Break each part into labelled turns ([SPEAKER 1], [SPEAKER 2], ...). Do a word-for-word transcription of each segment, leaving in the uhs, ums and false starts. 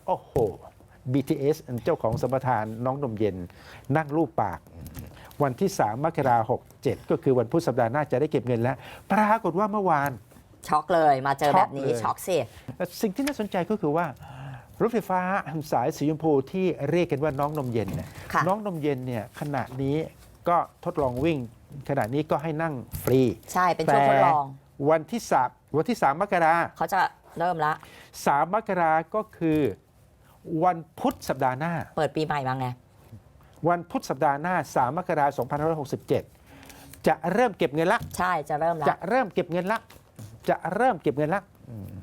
[SPEAKER 1] โอ้โห บี ที เอส เจ้าของสัมปทานน้องนมเย็นนั่งรูปปาก วันที่สามมกราคมหกเจ็ดก็คือวันพุธสัปดาห์หน้าจะได้เก็บเงินแล้วปรากฏว่าเมื่อวาน
[SPEAKER 2] ช็อกเลยมาเจอแบบนี้ช็อกสิ
[SPEAKER 1] สิ่งที่น่าสนใจก็คือว่ารถไฟฟ้าสายสีชมพูที่เรียกกันว่าน้องนมเย็นเนี่ยน้องนมเย็นเนี่ยขณะนี้ก็ทดลองวิ่งขณะนี้ก็ให้นั่งฟรี
[SPEAKER 2] ใช่เป็นช่วงทดลอง
[SPEAKER 1] วันที่สามวันที่สามมกรา
[SPEAKER 2] เขาจะเริ่มละ
[SPEAKER 1] สามมกราก็คือวันพุธสัปดาห์หน้า
[SPEAKER 2] เปิดปีใหม่มาไง
[SPEAKER 1] วันพุธสัปดาห์หน้าสามมกราคมสองพันห้าร้อยหกสิบเจ็ดจะเริ่มเก็บเงินละ
[SPEAKER 2] ใช่จะเริ่มละ
[SPEAKER 1] จะเริ่มเก็บเงินละจะเริ่มเก็บเงินละ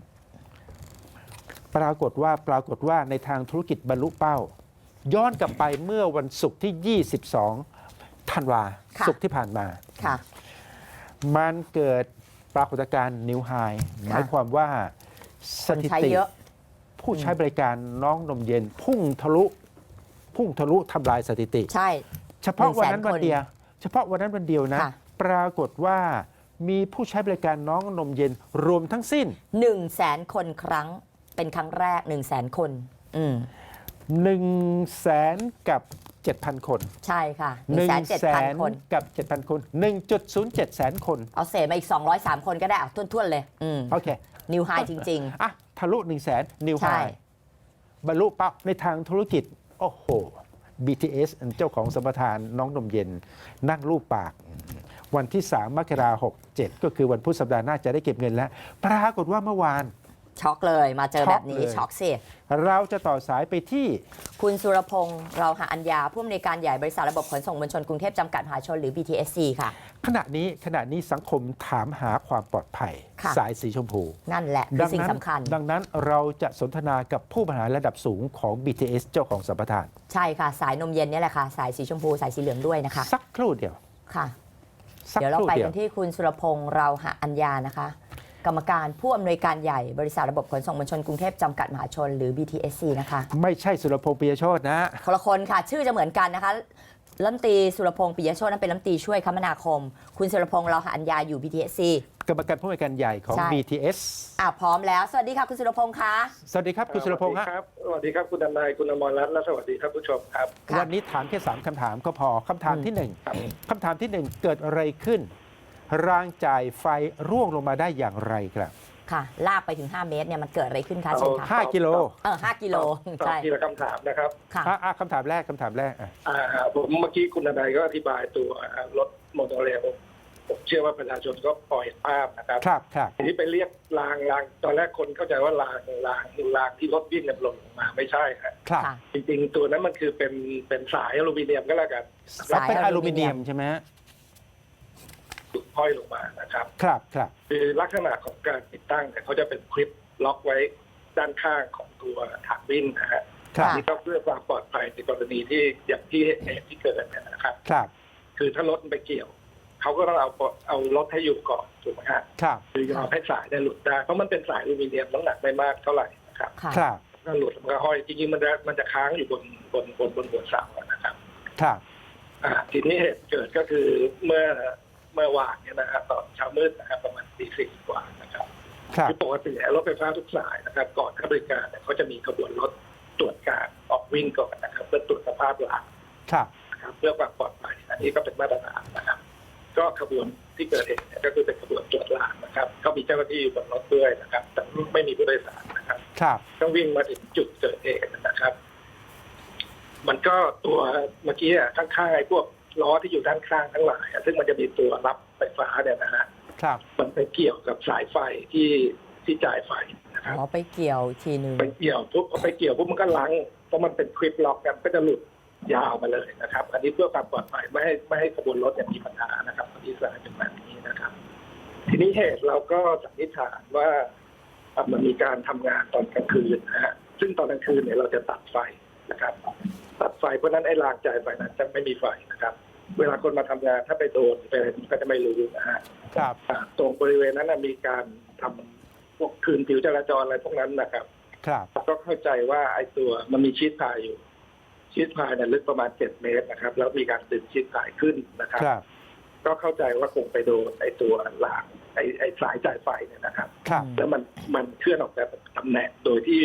[SPEAKER 1] ปรากฏว่าปรากฏว่าในทางธุรกิจบรรลุเป้า ย้อนกลับไปเมื่อวันศุกร์ที่ยี่สิบสองธันวาศุกร์ที่ผ่านมา
[SPEAKER 2] ค่ะ
[SPEAKER 1] มันเกิดปรากฏการณ์นิวไฮหมายความว่าสถิติผู้ใช้บริการน้องนมเย็น พุ่งทะลุพุ่งทะลุทำลายสถิติ
[SPEAKER 2] ใช่
[SPEAKER 1] เฉพาะวันนั้นวันเดียวเฉพาะวันนั้นวันเดียวนะ ปรากฏว่ามีผู้ใช้บริการน้องนมเย็นรวมทั้งสิ้น
[SPEAKER 2] หนึ่งแสนคนครั้งเป็นครั้งแรก หนึ่งแสนคนอืม
[SPEAKER 1] หนึ่งแสนกับเจ็ดพันคน
[SPEAKER 2] ใช่ค่ะ
[SPEAKER 1] หนึ่ง
[SPEAKER 2] เจ็ด
[SPEAKER 1] แส
[SPEAKER 2] พัน
[SPEAKER 1] น
[SPEAKER 2] คน
[SPEAKER 1] กับเจ็ดพันคนหนึ่งจุดศูนย์เจ็ดแสนคน
[SPEAKER 2] เอาเศษมาอีกสองร้อยสามคนก็ได้เอาทุ่นๆเลยอืม
[SPEAKER 1] โอเค
[SPEAKER 2] นิวไฮจริง
[SPEAKER 1] อ่ะทะลุหนึ่งแสนนิว
[SPEAKER 2] ๆ
[SPEAKER 1] ไฮ
[SPEAKER 2] ใช่
[SPEAKER 1] บรรลุเป้าในทางธุรกิจ โอ้โห บี ที เอส เจ้าของสัมปทานน้องนมเย็นนั่งรูปปาก วันที่สามมกราคมหกเจ็ดก็คือวันพุธสัปดาห์หน้าจะได้เก็บเงินแล้ว ปรากฏว่าเมื่อวาน
[SPEAKER 2] ช็อกเลยมาเจอแบบนี้ช็อกสิ
[SPEAKER 1] เราจะต่อสายไปที่
[SPEAKER 2] คุณสุรพงษ์เราหาอัญญาผู้อำนวยการใหญ่บริษัทระบบขนส่งมวลชนกรุงเทพจำกัดมหาชนหรือ บี ที เอส ซี ค่ะ
[SPEAKER 1] ขณะนี้ขณะนี้สังคมถามหาความปลอดภัย
[SPEAKER 2] ค่ะ
[SPEAKER 1] สายสีชมพู
[SPEAKER 2] นั่นแหละคือสิ่งสำคัญ
[SPEAKER 1] ดังนั้นเราจะสนทนากับผู้บริหารระดับสูงของ บี ที เอส เจ้าของสัมปทาน
[SPEAKER 2] ใช่ค่ะ สายนมเย็นนี่แหละค่ะ สายสีชมพูสายสีเหลืองด้วยนะคะ
[SPEAKER 1] สักครู่เดียว
[SPEAKER 2] ค่ะ
[SPEAKER 1] สัก
[SPEAKER 2] เดี๋ยว
[SPEAKER 1] ค
[SPEAKER 2] เรา
[SPEAKER 1] รู่
[SPEAKER 2] ไป
[SPEAKER 1] เดีย
[SPEAKER 2] กั
[SPEAKER 1] วน
[SPEAKER 2] ที่คุณสุรพงษ์เราหาอัญญานะคะ กรรมการผู้อำนวยการใหญ่บริษัทระบบขนส่งมวลชนกรุงเทพจำกัดมหาชนหรือ บี ที เอส ซี นะคะ
[SPEAKER 1] ไม่ใช่สุรพงษ์ปิยโชตนะ
[SPEAKER 2] คนละคนค่ะ ชื่อจะเหมือนกันนะคะรัฐมนตรีสุรพงษ์ปิยโชตินั้นเป็นรัฐมนตรีช่วยคมนาคม คุณสุรพงษ์เราหาอัญญาอยู่ บี ที เอส ซี
[SPEAKER 1] กรรมการผู้อำนวยการใหญ่ของ
[SPEAKER 2] ใช่
[SPEAKER 1] บี ที เอส
[SPEAKER 2] อ่ะพร้อมแล้วสวัสดีค่ะคุณสุรพงษ์คะ
[SPEAKER 1] สวัสดีครับคุณสุรพงษ์
[SPEAKER 3] สวั
[SPEAKER 1] ฮะ
[SPEAKER 3] สดีครับสวัสดีครับคุณดนายคุณอมรรัตน์และสวัสดีครับผู้ชมครับ
[SPEAKER 2] ค่ะ
[SPEAKER 1] วันนี้ถามแค่สามคำถามก็พอคำถาม
[SPEAKER 2] อืม
[SPEAKER 1] ที่หนึ่งคำถามที่หนึ่งเกิดอะไรขึ้น รางจ่ายไฟร่วงลงมาได้อย่างไรครับ
[SPEAKER 2] ค่ะ ลากไปถึงห้าเมตรเนี่ยมันเกิดอะไรขึ้นคะเชิญค่ะ
[SPEAKER 1] ห้ากิโล
[SPEAKER 2] เออห้ากิโล
[SPEAKER 3] ตอบ
[SPEAKER 2] ใช่
[SPEAKER 3] ทีละคำถามนะครับ
[SPEAKER 2] ค่ะ
[SPEAKER 1] อ่ะอ่ะคำถามแรกคำถามแรกอ่ะ
[SPEAKER 3] อ่าผมเมื่อกี้คุณดนายก็อธิบายตัวรถโมโนเรลผมเชื่อว่าประชาชนก็พอเห็นภาพนะครับ
[SPEAKER 1] ครับครับ
[SPEAKER 3] ทีนี้ไปเรียกรางรางตอนแรกคนเข้าใจว่ารางรางรางที่รถวิ่งเนี่ยหล่นลงมาไม่ใช่ครับ
[SPEAKER 1] ครับ
[SPEAKER 2] ค่ะ
[SPEAKER 3] จริงๆตัวนั้นมันคือเป็นเป็นสายอลูมิเนียมก็แล้วกัน
[SPEAKER 1] แล้วเป็น
[SPEAKER 2] สาย
[SPEAKER 1] อ
[SPEAKER 2] อลู
[SPEAKER 1] ลู
[SPEAKER 2] มิ
[SPEAKER 1] มิ
[SPEAKER 2] เนี
[SPEAKER 1] เนี
[SPEAKER 2] ย
[SPEAKER 1] ย
[SPEAKER 2] ม
[SPEAKER 1] มใช่ไหมฮะ
[SPEAKER 3] ถูกห้อยลงมานะครับ
[SPEAKER 1] ครับครับ
[SPEAKER 3] คือลักษณะของการติดตั้งเนี่ยเขาจะเป็นคลิปล็อกไว้ด้านข้างของตัวถังวิ่งนะฮะ
[SPEAKER 1] ครับ
[SPEAKER 3] นี่ก็เพื่อความปลอดภัยในกรณีที่อย่างที่เหตุที่เกิดเนี่ยนะครับ
[SPEAKER 1] ครับ
[SPEAKER 3] คือถ้ารถไปเกี่ยวเขาก็ต้องเอาเอารถให้อยู่ก่อนถูกไหมฮะ
[SPEAKER 1] ครับ
[SPEAKER 3] คือยอมให้สายได้หลุดได้เพราะมันเป็นสายอลูมิเนียมน้ำหนักไม่มากเท่าไหร่นะครับ
[SPEAKER 2] ค่ะ
[SPEAKER 1] ครับ
[SPEAKER 3] ถ้าหลุดมันก็ห้อยจริงๆมันจะมันจะค้างอยู่บนบนบนบนหัวเสาอะนะครับ
[SPEAKER 1] ครับ
[SPEAKER 3] อ่าทีนี้เหตุเกิดก็คือเมื่อเมื่อวานเนี่ยนะครับตอนเช้ามืดนะครับประมาณตีสี่กว่านะครับ
[SPEAKER 1] ครับ
[SPEAKER 3] คือปกติรถไฟฟ้าทุกสายนะครับ ก่อนให้บริการเนี่ยเขาจะมีขบวนรถตรวจการออกวิ่งก่อนนะครับเพื่อตรวจสภาพราง
[SPEAKER 1] ครับ
[SPEAKER 3] นะครับเพื่อความปลอดภัยอันนี้ก็เป็นมาตรฐานนะครับ ก็ขบวนที่เกิดเหตุเนี่ยก็คือเป็นขบวนตรวจรางนะครับก็มีเจ้าหน้าที่อยู่บนรถด้วยนะครับ แต่ไม่มีผู้โดยสารนะครับ
[SPEAKER 1] ครับ
[SPEAKER 3] ต้องวิ่งมาถึงจุดเกิดเหตุนะครับ มันก็ตัวเมื่อกี้อะข้างๆไอ้พวกล้อที่อยู่ด้านข้างทั้งหลายอะซึ่งมันจะมีตัวรับไฟฟ้าเนี่ยนะฮะ
[SPEAKER 1] ครับ
[SPEAKER 3] มันไปเกี่ยวกับสายไฟที่ที่จ่ายไฟนะครับ
[SPEAKER 2] อ๋อไปเกี่ยวทีนึง
[SPEAKER 3] ไปเกี่ยวปุ๊บพอไปเกี่ยวปุ๊บมันก็ลังเพราะมันเป็นคลิปล็อกกันก็จะหลุดยาวมาเลยนะครับ อันนี้เพื่อความปลอดภัยไม่ให้ไม่ให้ขบวนรถเนี่ยมีปัญหานะครับที่สายเป็นแบบนี้นะครับ ทีนี้เหตุเราก็สันนิษฐานว่าเอ่อมันมีการทำงานตอนกลางคืนนะฮะซึ่งตอนกลางคืนเนี่ยเราจะตัดไฟนะครับ ตัดไฟเพราะฉะนั้นไอ้รางจ่ายไฟนั้นจะไม่มีไฟนะครับ เวลาคนมาทำงานถ้าไปโดนไปอะไรก็จะไม่รู้นะฮะ
[SPEAKER 1] ครับ
[SPEAKER 3] อ่าตรงบริเวณนั้นนะมีการทำพวกคืนผิวจราจรอะไรพวกนั้นนะครับ
[SPEAKER 1] ครับ
[SPEAKER 3] ก็เข้าใจว่าไอ้ตัวมันมีชีทพายอยู่ ชีทพายเนี่ยลึกประมาณเจ็ดเมตรนะครับ แล้วมีการดึงชีทพายขึ้นนะครับ
[SPEAKER 1] ครับ
[SPEAKER 3] ก็เข้าใจว่าคงไปโดนไอ้ตัวรางไอ้ไอ้สายจ่ายไฟเนี่ยนะครับ
[SPEAKER 1] ครับ
[SPEAKER 3] แล้วมันมันเคลื่อนออกจากตำแหน่งโดยที่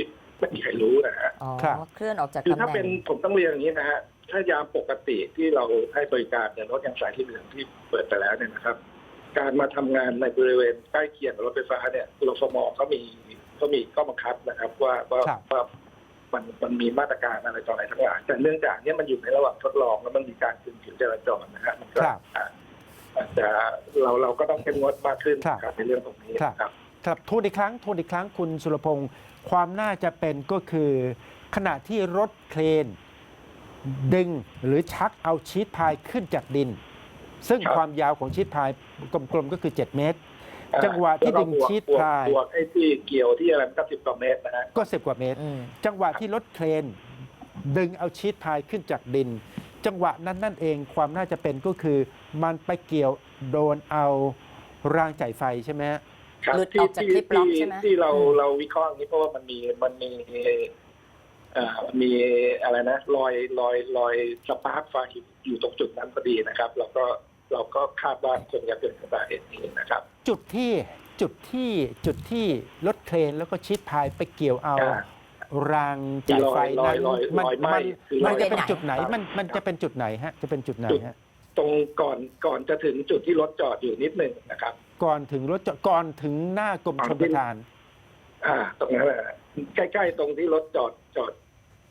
[SPEAKER 3] ไม่มีใครรู้นะฮะ
[SPEAKER 2] อ๋อ
[SPEAKER 1] ครับ
[SPEAKER 2] เคลื่อนออกจาก
[SPEAKER 3] คือ
[SPEAKER 2] ตำ
[SPEAKER 3] ถ้า
[SPEAKER 2] แห
[SPEAKER 3] เป็
[SPEAKER 2] น่
[SPEAKER 3] น
[SPEAKER 2] ง
[SPEAKER 3] ผมต้องเรียนอย่างนี้นะฮะถ้ายามปกติที่เราให้บริการเนี่ยรถยางสายที่เหลืองที่เปิดไปแล้วเนี่ยนะครับ การมาทำงานในบริเวณใกล้เคียงกับรถไฟฟ้าเนี่ยรฟมเขามีเขามีข้อบังคับนะครับ ว่าว่า
[SPEAKER 1] ครับ
[SPEAKER 3] ว่ามันมันมีมาตรการอะไรต่ออะไรทั้งหลายแต่เนื่องจากเนี้มันอยู่ในระหว่างทดลองแล้วมันมีการคืนผิวจราจรนะฮะมันก็
[SPEAKER 1] ครับ
[SPEAKER 3] อาจจะเราเราก็ต้องเข้มงวดมากขึ้น
[SPEAKER 1] ครับ
[SPEAKER 3] ครับในเรื่องตรงนี้
[SPEAKER 1] ครับ
[SPEAKER 3] ครับ
[SPEAKER 1] ครับทวนอีกครั้งทวนอีกครั้งคุณสุรพงศ์ความน่าจะเป็นก็คือ ขณะที่รถเครน ดึงหรือชักเอาชีทพายขึ้นจากดิน ซึ่ง
[SPEAKER 3] ครับ
[SPEAKER 1] ความยาวของชีทพายกลมๆก็คือ เจ็ด เมตร จังหวะที่ดึง
[SPEAKER 3] แล้วก็บวก
[SPEAKER 1] ชีท
[SPEAKER 3] บวก
[SPEAKER 1] พาย
[SPEAKER 3] บวกไอ้ที่เกี่ยวที่อะไรมันก็สิบกว่าเมตรนะฮะ
[SPEAKER 1] ก็สิบกว่าเมตร
[SPEAKER 2] อืม
[SPEAKER 1] จังหวะที่รถเครน ดึงเอาชีทพายขึ้นจากดิน จังหวะนั้นนั่นเองความน่าจะเป็นก็คือ มันไปเกี่ยวโดนเอารางจ่ายไฟใช่ไหมฮะ
[SPEAKER 3] ครับ
[SPEAKER 2] หลุด
[SPEAKER 3] ที่
[SPEAKER 2] ออกจาก
[SPEAKER 3] ที่
[SPEAKER 2] คลิปล็อก
[SPEAKER 3] ที่
[SPEAKER 2] ใช่ไหม
[SPEAKER 3] ที่เรา
[SPEAKER 2] อืม
[SPEAKER 3] เราวิเคราะห์อย่างนี้เพราะว่ามันมีมันมีเอ่อมีอะไรนะรอยรอยรอยสปาร์คไฟอยู่ตรงจุดนั้นพอดีนะครับเราก็เราก็คาดว่าคงจะเกิดจากสาเหตุนี้นะครับ
[SPEAKER 1] จุดที่จุดที่จุดที่รถเครนแล้วก็ชีทพายไปเกี่ยวเอา
[SPEAKER 3] อ่าร
[SPEAKER 1] างจ่ายไฟ
[SPEAKER 3] รอย
[SPEAKER 1] นั้น
[SPEAKER 3] รอย
[SPEAKER 1] มัน
[SPEAKER 3] รอยไหม้
[SPEAKER 1] มัน
[SPEAKER 3] คือ
[SPEAKER 1] มัน
[SPEAKER 3] รอย
[SPEAKER 1] จะเป็น
[SPEAKER 2] ไหม้
[SPEAKER 1] จุดไหน
[SPEAKER 3] ครับ
[SPEAKER 1] มันมันจะเป็นจุดไหนฮะจะเป็นจุดไหนฮะ
[SPEAKER 3] ตรงก่อนก่อนจะถึงจุดที่รถจอดอยู่นิดหนึ่งนะครับ
[SPEAKER 1] ก่อนถึงรถจอดก่อนถึงหน้ากรมชลประทาน
[SPEAKER 3] อ่า ตรงนั้นแหละใกล้ๆตรงที่รถจอดจอด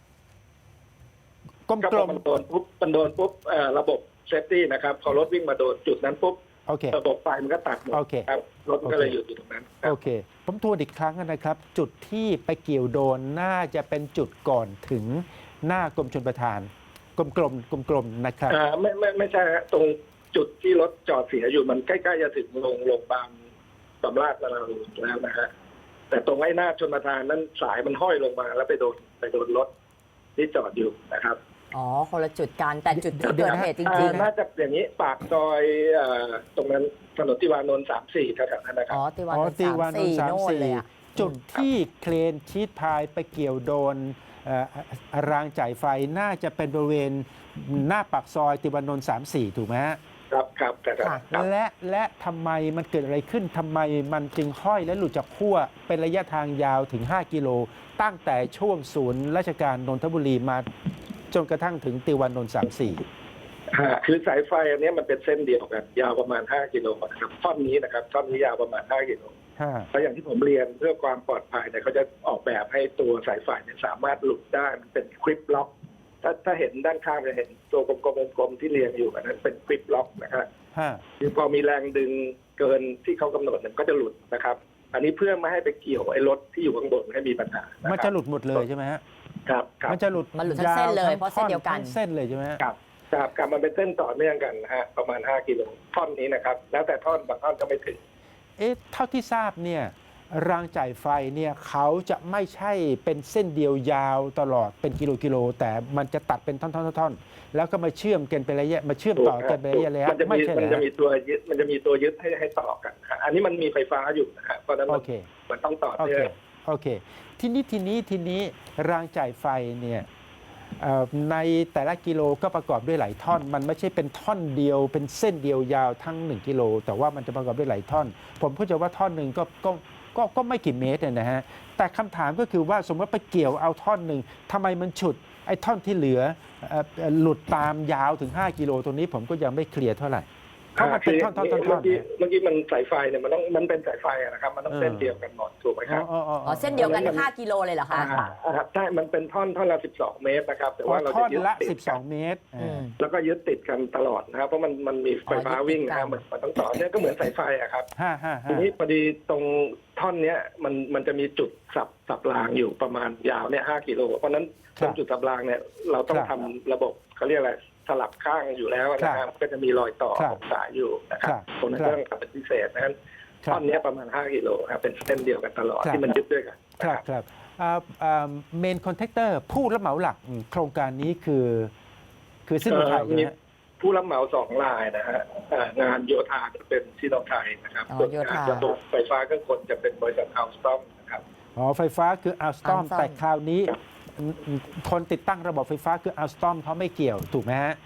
[SPEAKER 1] กลม
[SPEAKER 3] ก็
[SPEAKER 1] ก
[SPEAKER 3] พ
[SPEAKER 1] ล
[SPEAKER 3] อ
[SPEAKER 1] ม
[SPEAKER 3] มันโดนปุ๊บมันโดนปุ๊บเอ่อระบบเซฟตี้นะครับพอรถวิ่งมาโดนจุดนั้นปุ๊บ
[SPEAKER 1] โอเค
[SPEAKER 3] ระบบไฟมันก็ตัดหมด
[SPEAKER 1] โอเค
[SPEAKER 3] ครับรถมันก็เลยหยุดอยู่ตรงนั้นครั
[SPEAKER 1] โอบ เค ผมทวนอีกครั้งนะครับ จุดที่ไปเกี่ยวโดนน่าจะเป็นจุดก่อนถึงหน้ากรมชลประทาน กลมกลมกลมกลมๆนะครับ
[SPEAKER 3] อ่าไม่ไม่ไม่ใช่ฮะตรงจุดที่รถจอดเสียอยู่มันใกล้ๆจะถึงโรงโรงพยาบาลบำราศนราดูนแล้วนะฮะแต่ตรงไอ้หน้าชนประทานนั้นสายมันห้อยลงมาแล้วไปโดนไปโดนรถที่จอดอยู่นะครับ
[SPEAKER 2] อ๋อ คนละจุดกันแต่จุดที่
[SPEAKER 1] เดี๋
[SPEAKER 2] เกิ
[SPEAKER 1] ยว
[SPEAKER 2] ด
[SPEAKER 1] นะ
[SPEAKER 2] เหตุจ
[SPEAKER 3] อ่า
[SPEAKER 2] ริง
[SPEAKER 3] น่าจะอย่างนี้ปากซอยเอ่อตรงนั้นถนนติวานนท์สามสี่แถวๆนั้นนะ
[SPEAKER 2] ๆ
[SPEAKER 3] ครั
[SPEAKER 2] อ๋
[SPEAKER 3] บ
[SPEAKER 2] อติวาน
[SPEAKER 1] อ๋อ
[SPEAKER 2] นท์
[SPEAKER 1] ตี
[SPEAKER 2] สาม
[SPEAKER 1] วานน
[SPEAKER 2] สี่
[SPEAKER 1] ท์สาม
[SPEAKER 2] โน่น
[SPEAKER 1] สี่
[SPEAKER 2] เลยอ่ะ
[SPEAKER 1] จุดที่เครนชีทพายไปเกี่ยวโดนเอ่อรางจ่ายไฟน่าจะเป็นบริเวณหน้าปากซอยติวานนท์สามสี่ถูกไหมฮะ
[SPEAKER 3] ครับครับแต่ครับ
[SPEAKER 2] ค่ะ
[SPEAKER 3] ครับ
[SPEAKER 1] และและทำไมมันเกิดอะไรขึ้นทำไมมันจึงห้อยและหลุดจากขั้วเป็นระยะทางยาวถึง ห้า กิโล ตั้งแต่ช่วงศูนย์ราชการนนทบุรีมาจนกระทั่งถึงติวานนท์สามสี่
[SPEAKER 3] อ่าคือสายไฟอันนี้มันเป็นเส้นเดียวกันยาวประมาณห้ากิโลนะครับท่อนนี้นะครับท่อนนี้ยาวประมาณห้ากิโล
[SPEAKER 1] ห้า
[SPEAKER 3] แล้วอย่างที่ผมเรียนเพื่อความปลอดภัยเนี่ยเขาจะออกแบบให้ตัวสายไฟเนี่ยสามารถหลุดได้มันเป็นคลิปล็อกถ้าถ้าเห็นด้านข้างจะเห็นตัวกลมๆกลมๆที่เรียงอยู่อันนั้นเป็นคลิปล็อกนะครับ
[SPEAKER 1] ห้า
[SPEAKER 3] คือพอมีแรงดึงเกินที่เขากำหนดเนี่ยก็จะหลุดนะครับ อันนี้เพื่อไม่ให้ไปเกี่ยวไอ้รถที่อยู่ข้างบนให้มีปัญหา
[SPEAKER 1] มั
[SPEAKER 3] มัน
[SPEAKER 1] จะหลุดหมดเลยใช่ไหมฮะ
[SPEAKER 3] ครับครับ
[SPEAKER 1] มันจะหลุด
[SPEAKER 2] มันหลุดทั้งเส้นเลย
[SPEAKER 1] ว
[SPEAKER 2] เพราะเส้นเดียวกัน
[SPEAKER 1] ทั้งเส้นเลยใช่ไหมฮะ
[SPEAKER 3] ครับครับครับมันเป็นเส้นต่อเนื่องกันนะฮะประมาณห้ากิโลท่อนนี้นะครับ แล้วแต่ท่อนบางท่อนก็ไม่ถึง
[SPEAKER 1] เอ๊ะเท่าที่ทราบเนี่ยรางจ่ายไฟเนี่ยเขาจะไม่ใช่เป็นเส้นเดียวยาวตลอดเป็นกิโลกิโล แต่มันจะตัดเป็นท่อนๆๆๆแล้วก็มาเชื่อมกันเป็นระยะมาเชื่อมต่อกันเป็นระยะระยะ
[SPEAKER 3] มันจะ
[SPEAKER 1] ไม่
[SPEAKER 3] มี
[SPEAKER 1] ใช่
[SPEAKER 3] มัน
[SPEAKER 1] เหร
[SPEAKER 3] จะ
[SPEAKER 1] อ
[SPEAKER 3] มีตัวยึดมันจะมีตัวยึดให้ให้ต่อกันนะฮะอันนี้มันมีไฟฟ้าอยู่นะฮะเพราะฉะนั้น
[SPEAKER 1] โอ
[SPEAKER 3] มัน
[SPEAKER 1] เค
[SPEAKER 3] มันต้องต่อ
[SPEAKER 1] โอ
[SPEAKER 3] เนื่
[SPEAKER 1] เค
[SPEAKER 3] อง
[SPEAKER 1] โอเคทีนี้ทีนี้ทีนี้รางจ่ายไฟเนี่ยเอ่อในแต่ละกิโลก็ประกอบด้วยหลายท่อน มันไม่ใช่เป็นท่อนเดียวเป็นเส้นเดียวยาวทั้งหนึ่งกิโลแต่ว่ามันจะประกอบด้วยหลายท่อน ผมเข้าใจว่าท่อนหนึ่งก็ก็ก็ก็ไม่กี่เมตรเนี่ยนะฮะแต่คำถามก็คือว่าสมมติไปเกี่ยวเอาท่อนหนึ่งทำไมมันฉุดไอ้ท่อนที่เหลือเอ่อเอ่อหลุดตามยาวถึง ห้า กิโลตรงนี้ผมก็ยังไม่เคลียร์เท่าไหร่เพราะมันเป็นท่อนท่อนท่อนท่
[SPEAKER 3] เมื่
[SPEAKER 1] อ
[SPEAKER 3] อน กี้เมื่อกี้มันสายไฟเนี่ยมันต้องมันเป็นสายไฟอะนะครับ มันต้อง
[SPEAKER 1] เออ
[SPEAKER 3] เส้นเดียวกันหมดถูกไหมครับ
[SPEAKER 2] อ๋อ เส้นเดียวกันห้ากิโลเลยเหรอคะ
[SPEAKER 3] อ่าอ่าใช่มันเป็นท่อนท่อนละสิบสองเมตรนะครับ แต่ว่าเรา
[SPEAKER 1] ท่อ
[SPEAKER 3] จะ
[SPEAKER 1] น
[SPEAKER 3] ยึด
[SPEAKER 1] ละ
[SPEAKER 3] ติด
[SPEAKER 1] สิบส
[SPEAKER 3] กั
[SPEAKER 1] อน ง เมตร
[SPEAKER 2] อืม
[SPEAKER 3] แล้วก็ยึดติดกันตลอดนะครับ เพราะมันมันมีไฟฟ้า
[SPEAKER 2] อ๋อยึดติด
[SPEAKER 3] วิ่งนะ
[SPEAKER 2] กั
[SPEAKER 3] ฮะ
[SPEAKER 2] น
[SPEAKER 3] มันมันต้องต่อเนี่ยก็เหมือนสายไฟอะครับ
[SPEAKER 1] ห้าห้า
[SPEAKER 3] ที
[SPEAKER 1] ห้า
[SPEAKER 3] นี้พอดีตรงท่อนเนี้ยมันมันจะมีจุดสับสับรางอยู่ประมาณยาวเนี่ยห้ากิโลเพราะฉะนั้นตรงจุดสับรางเนี่ยเราต้องทำระบบเขาเรียกอะไรสลับข้างอยู่แล้วนะครับก็จะมีรอยต่อของสายอยู่นะครับตรงนั้นก็ต้องทำเป็นพิเศษนั้นท่อนเนี้ยประมาณห้ากิโลครับเป็นเส้นเดียวกันตลอดที่มันยึดด้วยกัน
[SPEAKER 1] ครับครับเมนคอนแทคเตอร์ผู้รับเหมาหลักอืมโครงการนี้คือคือซิโนไทย
[SPEAKER 3] เอ่อมี
[SPEAKER 1] นะฮะ
[SPEAKER 3] ผู้รับเหมาสองรายนะฮะเอ่องานโยธาจะเป็นซิโนไทยนะครับ
[SPEAKER 2] อ๋อ
[SPEAKER 3] ส่วน
[SPEAKER 2] โย
[SPEAKER 3] งา
[SPEAKER 2] ธา
[SPEAKER 3] นระบบไฟฟ้าเครื่องกลจะเป็นบริษัทอัลสตอมนะครับ
[SPEAKER 1] อ๋อไฟฟ้าคืออัลสตอม
[SPEAKER 2] Alstom
[SPEAKER 1] แต่คราวนี้
[SPEAKER 3] ครับ
[SPEAKER 1] อืมอืมคนติดตั้งระบบไฟฟ้าคืออัลสตอมเขาไม่เกี่ยวถูกไหมฮะ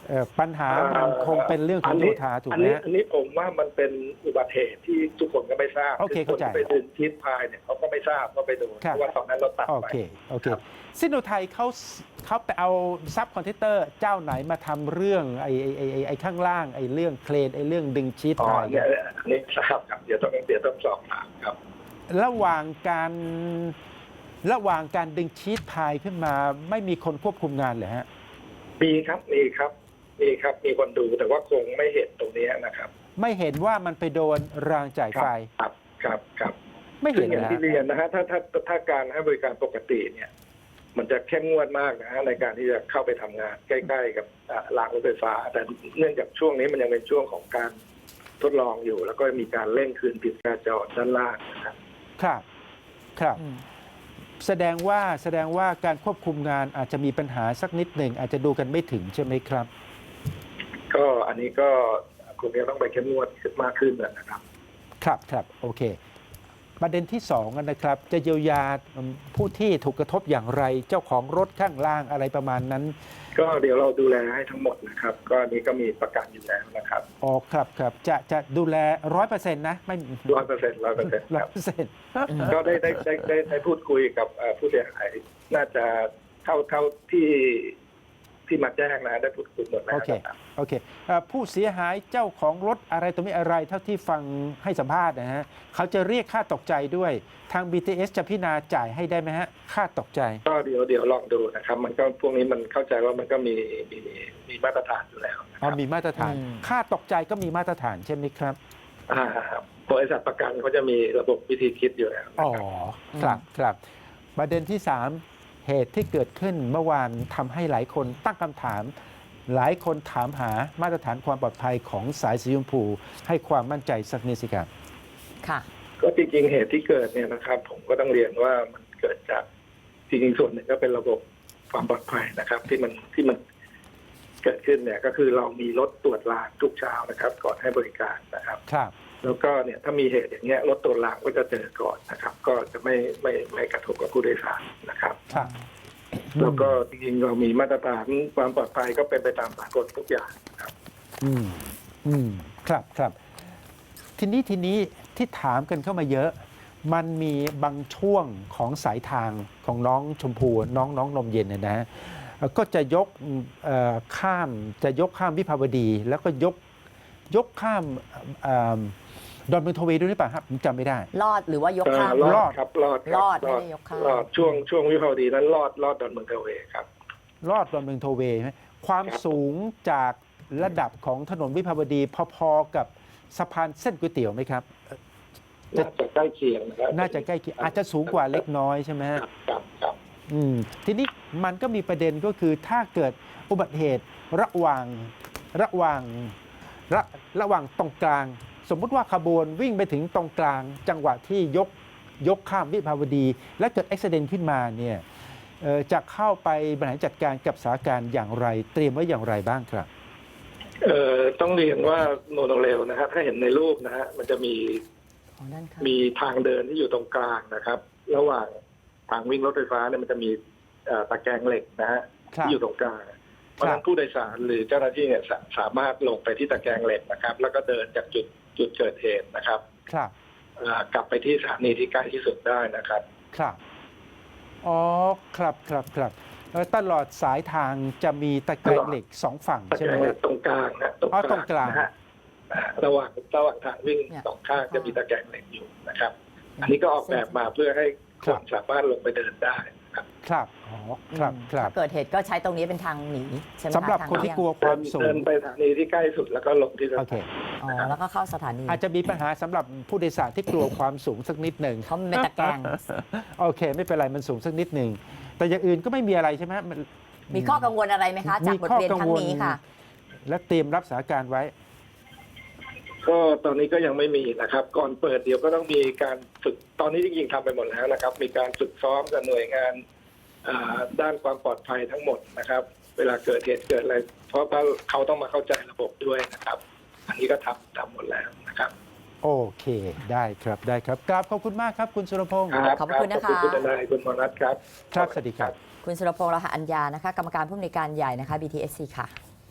[SPEAKER 1] เอ่อปัญหามันคงเป็นเรื่องของโยธาถูก
[SPEAKER 3] อัน
[SPEAKER 1] ไหม
[SPEAKER 3] นี้
[SPEAKER 1] ฮะ
[SPEAKER 3] อันนี้ผมว่ามันเป็นอุบัติเหตุที่ทุกคนก็ไม่ทราบ
[SPEAKER 1] โอเค
[SPEAKER 3] คือคน
[SPEAKER 1] เข้าใจ
[SPEAKER 3] ที่ไปดึงชีทพายเนี่ยเขาก็ไม่ทราบว่าไปโดน
[SPEAKER 1] ครับ
[SPEAKER 3] เพราะว่าตอนนั้นเราตัด
[SPEAKER 1] โอ
[SPEAKER 3] ไป
[SPEAKER 1] เคโอเค
[SPEAKER 3] ครับ
[SPEAKER 1] ซิโนไทยเขาเขาไปเอาซับคอนเทนเตอร์เจ้าไหนมาทำเรื่องไอ้ไอ้ไอ้ไอ้ไอ้ข้างล่างไอ้เรื่องเครนไอ้เรื่องดึงชีต
[SPEAKER 3] อ๋อ
[SPEAKER 1] พาย
[SPEAKER 3] เนี่ยอันนี้ทราบครับเดี๋ยวต้องเดี๋ยวต้องสอบถามครับ
[SPEAKER 1] ระหว่างการระหว่างการดึงชีตพายขึ้นมาไม่มีคนควบคุมงานเลยฮะ
[SPEAKER 3] มีครับมีครับมีครับมีคนดูแต่ว่าคงไม่เห็นตรงนี้นะครับ
[SPEAKER 1] ไม่เห็นว่ามันไปโดนรางจ่ายไฟ
[SPEAKER 3] ครับครับครับ
[SPEAKER 1] ไม่
[SPEAKER 3] ซึ่
[SPEAKER 1] เห็
[SPEAKER 3] ง
[SPEAKER 1] น
[SPEAKER 3] อย่าง
[SPEAKER 1] นะ
[SPEAKER 3] ที่เรียนนะฮะถ้าถ้าถ้าการให้บริการปกติเนี่ย มันจะเข้มงวดมากนะฮะในการที่จะเข้าไปทำงานใกล้ๆกับอ่ารางรถไฟฟ้า แต่เนื่องจากช่วงนี้มันยังเป็นช่วงของการทดลองอยู่ แล้วก็มีการเร่งคืนผิดการจราจรด้านล่างนะครับ
[SPEAKER 1] ครับครับ
[SPEAKER 2] อืม
[SPEAKER 1] แสดงว่าแสดงว่าการควบคุมงานอาจจะมีปัญหาสักนิดหนึ่งอาจจะดูกันไม่ถึงใช่ไหมครับ
[SPEAKER 3] ก็อันนี้ก็คงจะต้องไปเข้มงวดมากขึ้นนะครับ
[SPEAKER 1] ครับครับโอเค ประเด็นที่สองนะครับ จะเยียวยาผู้ที่ถูกกระทบอย่างไรเจ้าของรถข้างล่างอะไรประมาณนั้น
[SPEAKER 3] ก็เดี๋ยวเราดูแลให้ทั้งหมดนะครับ ก็อันนี้ก็มีประกันอยู่แล้วนะครับ
[SPEAKER 1] อ๋อครับครับจะจะดูแลร้อยเปอร์เซ็นต์นะไม่
[SPEAKER 3] ร้อยเปอร์เซ็นต์ร้อยเปอร์เซ็นต์
[SPEAKER 1] ร้
[SPEAKER 3] ค
[SPEAKER 1] อย
[SPEAKER 3] รับ
[SPEAKER 1] เปอร์เซ็นต์
[SPEAKER 3] ก็ได้ได้ได้ได้ได้พูดคุยกับเอ่อผู้เสียหาย น่าจะเท่าเท่าที่ที่มาแจ้งนะได้พูดคุยหมดแล้ว
[SPEAKER 1] โอเค
[SPEAKER 3] นะครับ
[SPEAKER 1] โอเคเอ่อผู้เสียหายเจ้าของรถอะไรตัวนี้อะไรเท่าที่ฟังให้สัมภาษณ์นะฮะเขาจะเรียกค่าตกใจด้วยทาง บี ที เอส จะพิจารณาจ่ายให้ได้ไหมฮะค่าตกใจ
[SPEAKER 3] ก็เดี๋ยวเดี๋ยวลองดูนะครับ มันก็พวกนี้มันเข้าใจว่ามันก็มีมีมีมาตรฐานอยู่แล้วนะค
[SPEAKER 1] อ๋อ
[SPEAKER 3] รับ
[SPEAKER 1] มีมาตรฐาน
[SPEAKER 2] อืม
[SPEAKER 1] ค่าตกใจก็มีมาตรฐานใช่ไหมครับ
[SPEAKER 3] อ่าครับบริษัทประกันเขาจะมีระบบวิธีคิดอยู่แล้วนะ
[SPEAKER 1] อ๋อ
[SPEAKER 3] ครับ
[SPEAKER 1] ครับครับประเด็นที่สามเหตุที่เกิดขึ้นเมื่อวานทำให้หลายคนตั้งคำถาม หลายคนถามหามาตรฐานความปลอดภัยของสายสีชมพูให้ความมั่นใจสักนิดสิครับ
[SPEAKER 2] ค่ะ
[SPEAKER 3] ก็จริงๆเหตุที่เกิดเนี่ยนะครับ ผมก็ต้องเรียนว่ามันเกิดจากจริงๆส่วนหนึ่งก็เป็นระบบความปลอดภัยนะครับ ที่มันที่มันเกิดขึ้นเนี่ย ก็คือเรามีรถตรวจรางทุกเช้านะครับ ก่อนให้บริการนะครับ
[SPEAKER 1] ครับ
[SPEAKER 3] แล้วก็เนี่ยถ้ามีเหตุอย่างเงี้ยรถตรวจรางก็จะเจอก่อนนะครับ ก็จะไม่ไม่ไม่กระทบกับผู้โดยสารนะครับ
[SPEAKER 1] ครับ
[SPEAKER 3] แล้วก็จริงๆเรามีมาตรฐานความปลอดภัยก็เป็นไปตามสากลทุกอย่างนะครับ
[SPEAKER 1] อืมอืมครับครับ ทีนี้ทีนี้ที่ถามกันเข้ามาเยอะ มันมีบางช่วงของสายทางของน้องชมพูน้องน้องนมเย็นเนยนะเอ่อก็จะยกเอ่อข้ามจะยกข้ามวิภาวดี แล้วก็ยกยกข้ามเอ่อดอนเมืองโทเวย์ด้วยหรือเปล่าครับผมจำไม่ได้
[SPEAKER 2] รอดหรือว่ายกข้าม
[SPEAKER 3] เอ่อร
[SPEAKER 1] ร
[SPEAKER 3] อ
[SPEAKER 1] อ
[SPEAKER 3] ด
[SPEAKER 1] ด
[SPEAKER 3] ครับรอดคบ
[SPEAKER 2] รอดไม่ได้ยกข้าม
[SPEAKER 3] รอดช่วงช่วงวิภาวดีนั้นรอดรอดดอนเมืองเทเวย์ครับ
[SPEAKER 1] รอดดอนเมืองโทเวย์ไหมความ
[SPEAKER 3] ครับ
[SPEAKER 1] สูงจากระดับของถนนวิภาวดีพอๆกับสะพานเส้นก๋วยเตี๋ยวไหมครับ จะ
[SPEAKER 3] น่าจะใกล้เคียงนะครับ
[SPEAKER 1] น่าจะใกล้เคียงอาจจะสูงกว่าเล็กน้อยใช่ไหม
[SPEAKER 3] ค
[SPEAKER 1] ฮะ
[SPEAKER 3] รับครับครับ
[SPEAKER 1] อืมทีนี้มันก็มีประเด็นก็คือถ้าเกิดอุบัติเหตุระหว่างระหว่างระระหว่างตรงกลาง สมมุติว่าขบวนวิ่งไปถึงตรงกลาง จังหวะที่ยกยกข้ามวิภาวดี และเกิดอุบัติเหตุขึ้นมาเนี่ยเอ่อจะเข้าไปบริหารจัดการกับสถานการณ์อย่างไร เตรียมไว้อย่างไรบ้างครับ
[SPEAKER 3] เอ่อต้องเรียนว่าโมโนเรลนะฮะถ้าเห็นในรูปนะฮะมันจะมี
[SPEAKER 2] ของด้านข้าง
[SPEAKER 3] มีทางเดินที่อยู่ตรงกลางนะครับ ระหว่างทางวิ่งรถไฟฟ้าเนี่ยมันจะมีเอ่อตะแกรงเหล็กนะฮะ
[SPEAKER 1] ครับ
[SPEAKER 3] ที่อยู่ตรงกลาง เพราะฉะนั้นผู้โดยสารหรือเจ้าหน้าที่เนี่ยสาสามารถลงไปที่ตะแกรงเหล็กนะครับ แล้วก็เดินจากจุดจุดเกิดเหตุนะครับ
[SPEAKER 1] ครับ
[SPEAKER 3] เอ่อกลับไปที่สถานีที่ใกล้ที่สุดได้นะครับ
[SPEAKER 1] ครับอ๋อครับครับครับเอ่อตลอดสายทางจะมีตะแกรงเหล็กสองฝั่ง
[SPEAKER 3] ตะ
[SPEAKER 1] ใช่
[SPEAKER 3] แก
[SPEAKER 1] ไห
[SPEAKER 3] ร
[SPEAKER 1] ม
[SPEAKER 3] งเห
[SPEAKER 1] ค
[SPEAKER 3] ล็
[SPEAKER 1] รับ
[SPEAKER 3] กตรงกลางนะ
[SPEAKER 1] อ๋อตรงกลาง
[SPEAKER 3] นะฮะอ่าระหว่างระหว่างทางวิ่ง
[SPEAKER 2] เนี่ย
[SPEAKER 3] สองข้างจะมีตะแกรงเหล็กอยู่นะครับ อันนี้ก็ออกแบบมาเพื่อให้คนสามารถลงไปเดินได้นะครับ
[SPEAKER 1] ครับอ๋อครับครับ
[SPEAKER 2] เกิดเหตุก็ใช้ตรงนี้เป็นทางหนีใช่ไหมะ
[SPEAKER 1] สำหรับ
[SPEAKER 2] ทาง
[SPEAKER 1] คนที่
[SPEAKER 2] เยง
[SPEAKER 1] กลัวความสู
[SPEAKER 3] เดิ
[SPEAKER 1] ง
[SPEAKER 3] นไปสถานีที่ใกล้สุดแล้วก็ลงที่ส
[SPEAKER 1] โอ
[SPEAKER 3] ถา
[SPEAKER 1] เค
[SPEAKER 3] นี
[SPEAKER 2] อ๋อแล้วก็เข้าสถานี
[SPEAKER 1] อาจจะมีปัญหาสำหรับผู้โดยสารที่กลัวความสูงสักนิดหนึ่ง
[SPEAKER 2] เขาไม่ตะแกรง
[SPEAKER 1] โอเค ไม่เป็นไรมันสูงสักนิดหนึ่งแต่อย่างอื่นก็ไม่มีอะไรใช่ไหมมัน
[SPEAKER 2] มีข้อกังวลอะไรไหมคะ จากบทเรียนครั้งนี้ค่ะ
[SPEAKER 1] และเตรียมรับสถานการณ์ไว้
[SPEAKER 3] ก็ตอนนี้ก็ยังไม่มีนะครับ ก่อนเปิดเดี๋ยวก็ต้องมีการฝึกตอนนี้จริงๆทำไปหมดแล้วนะครับ มีการฝึกซ้อมกับหน่วยงานอ่าด้านความปลอดภัยทั้งหมดนะครับ เวลาเกิดเหตุเกิดอะไรเพราะว่าเขาต้องมาเข้าใจระบบด้วยนะครับ อันนี้ก็ทำทำหมดแล้วนะครับ
[SPEAKER 1] โอเคได้ครับได้ครับกราบขอบคุณมากครับ คุณสุรพงศ์
[SPEAKER 3] ครับ
[SPEAKER 2] ขอบคุณนะคะ
[SPEAKER 3] ขอบคุณคุณทนายคุณมนัสครับ
[SPEAKER 1] ครับสวัสดีครับ
[SPEAKER 2] คุณสุรพงษ์ลาหะอัญญานะคะ กรรมการผู้อำนวยการใหญ่นะคะ บี ที เอส ซี ค่ะ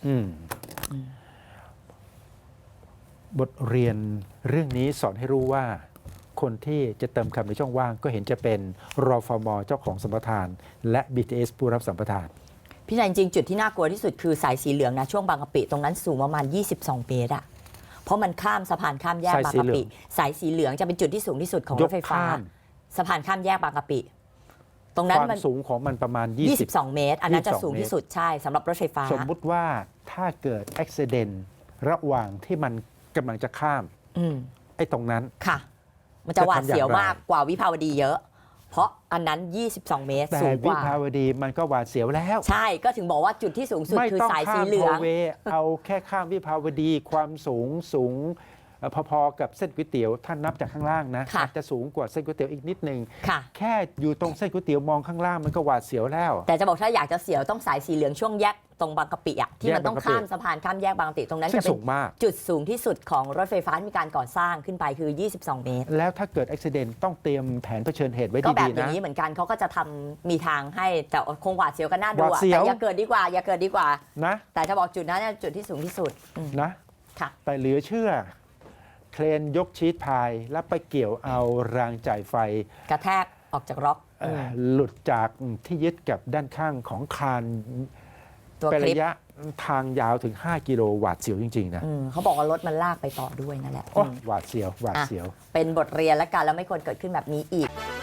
[SPEAKER 1] อืมบทเรียนเรื่องนี้สอนให้รู้ว่าคนที่จะเติมคำในช่องว่างก็เห็นจะเป็นรฟมเจ้าของสัมปทาน และ บี ที เอส ผู้รับสัมปทาน
[SPEAKER 2] พี่นายจริงๆจุดที่น่ากลัวที่สุดคือสายสีเหลืองนะช่วงบางกะปิตรงนั้นสูงประมาณยี่สิบสองเมตรอะเพราะมันข้ามสะพานข้ามแยกบางกะปิสายสีเหลืองจะเป็นจุดที่สูงที่สุดของรถไฟฟ้าสะพานข้ามแยกบางกะปิตรงนั้น
[SPEAKER 1] ความ
[SPEAKER 2] มัน
[SPEAKER 1] สูงของมันประมาณ
[SPEAKER 2] ยี่
[SPEAKER 1] ยี่
[SPEAKER 2] สิ
[SPEAKER 1] สิ
[SPEAKER 2] บบ สองเมตร อันนั้นจะ
[SPEAKER 1] ยี่สิบสอง
[SPEAKER 2] สูงที่สุดใช่สำหรับรถไฟฟ้า
[SPEAKER 1] สมมุติว่าถ้าเกิดอุบัติเหตุระหว่างที่มันกำลังจะข้าม
[SPEAKER 2] อืม
[SPEAKER 1] ไอ้ตรงนั้น
[SPEAKER 2] ค่ะ มันจะหวาดเสียว
[SPEAKER 1] จะทำอย่างไร
[SPEAKER 2] มากกว่าวิภาวดีเยอะ เพราะอันนั้นยี่สิบสองเมตร
[SPEAKER 1] แต่
[SPEAKER 2] สูงก
[SPEAKER 1] วิ
[SPEAKER 2] ว่า
[SPEAKER 1] ภาวดีมันก็หวาดเสียวแล้ว
[SPEAKER 2] ใช่ก็ถึงบอกว่าจุดที่สูงสุด
[SPEAKER 1] ไม่
[SPEAKER 2] คือ
[SPEAKER 1] ต้อง
[SPEAKER 2] สายสี
[SPEAKER 1] ข้าม
[SPEAKER 2] เหลื
[SPEAKER 1] โท
[SPEAKER 2] อง
[SPEAKER 1] เวย์เอาแค่ข้ามวิภาวดีความสูงสูงเอ่อพอๆกับเส้นก๋วยเตี๋ยวท่านนับจากข้างล่างนะ
[SPEAKER 2] ค่ะ
[SPEAKER 1] อาจจะสูงกว่าเส้นก๋วยเตี๋ยวอีกนิดนึง
[SPEAKER 2] ค่ะ
[SPEAKER 1] แค่อยู่ตรงเส้นก๋วยเตี๋ยวมองข้างล่างมันก็หวาดเสียวแล้ว
[SPEAKER 2] แต่จะบอกถ้าอยากจะเสียวต้องสายสีเหลืองช่วงแยกตรงบางกะปิอะที่มันต้อง
[SPEAKER 1] แยกบางกะปิ
[SPEAKER 2] ข้ามสะพานข้ามแยกบางกะปิตรงนั้น
[SPEAKER 1] ซึ่
[SPEAKER 2] จะ
[SPEAKER 1] ง
[SPEAKER 2] เป็
[SPEAKER 1] สู
[SPEAKER 2] น
[SPEAKER 1] งมาก
[SPEAKER 2] จุดสูงที่สุดของรถไฟฟ้าที่มีการก่อสร้างขึ้นไปคือ ยี่สิบสองเมตร
[SPEAKER 1] แล้วถ้าเกิดอุบัติเหตุต้องเตรียมแผนเผชิญเหตุไว้
[SPEAKER 2] ก็แบบ
[SPEAKER 1] ดี
[SPEAKER 2] อ
[SPEAKER 1] ๆ
[SPEAKER 2] ย่า
[SPEAKER 1] นะ
[SPEAKER 2] งนี้เหมือนกันเขาก็จะทำมีทางให้แต่คงหวาดเสียวกันน่าดู
[SPEAKER 1] หวา
[SPEAKER 2] อะ
[SPEAKER 1] ดเสียว
[SPEAKER 2] แต่อย่าเกิดดีกว่า อย่าเกิดดีกว่า
[SPEAKER 1] นะ
[SPEAKER 2] แต่จะบอกจุดนั้นเนี่ยจุดที่สูงที่สุดอืม
[SPEAKER 1] นะ
[SPEAKER 2] ค่ะ
[SPEAKER 1] แต่เหลือเชื่อ เครนยกชีตพาย แล้วไปเกี่ยวเอารางจ่ายไฟ
[SPEAKER 2] กระแทกออกจากล็อก
[SPEAKER 1] เอ่อ
[SPEAKER 2] ม
[SPEAKER 1] หลุดจากที่ยึดกับด้านข้างของคาน
[SPEAKER 2] ตัว
[SPEAKER 1] เป็น
[SPEAKER 2] คลิ
[SPEAKER 1] ระ
[SPEAKER 2] ป
[SPEAKER 1] ยะทางยาวถึง ห้า กิโลหวาดเสียวจริง ๆ นะ
[SPEAKER 2] อืมเขาบอกว่ารถมันลากไปต่อด้วยนั่นแหละ
[SPEAKER 1] โอ้
[SPEAKER 2] อืม
[SPEAKER 1] หวาดเสียวหวาด
[SPEAKER 2] อ่ะ
[SPEAKER 1] เสียว
[SPEAKER 2] เป็นบทเรียนและกันแล้วไม่ควรเกิดขึ้นแบบนี้อีก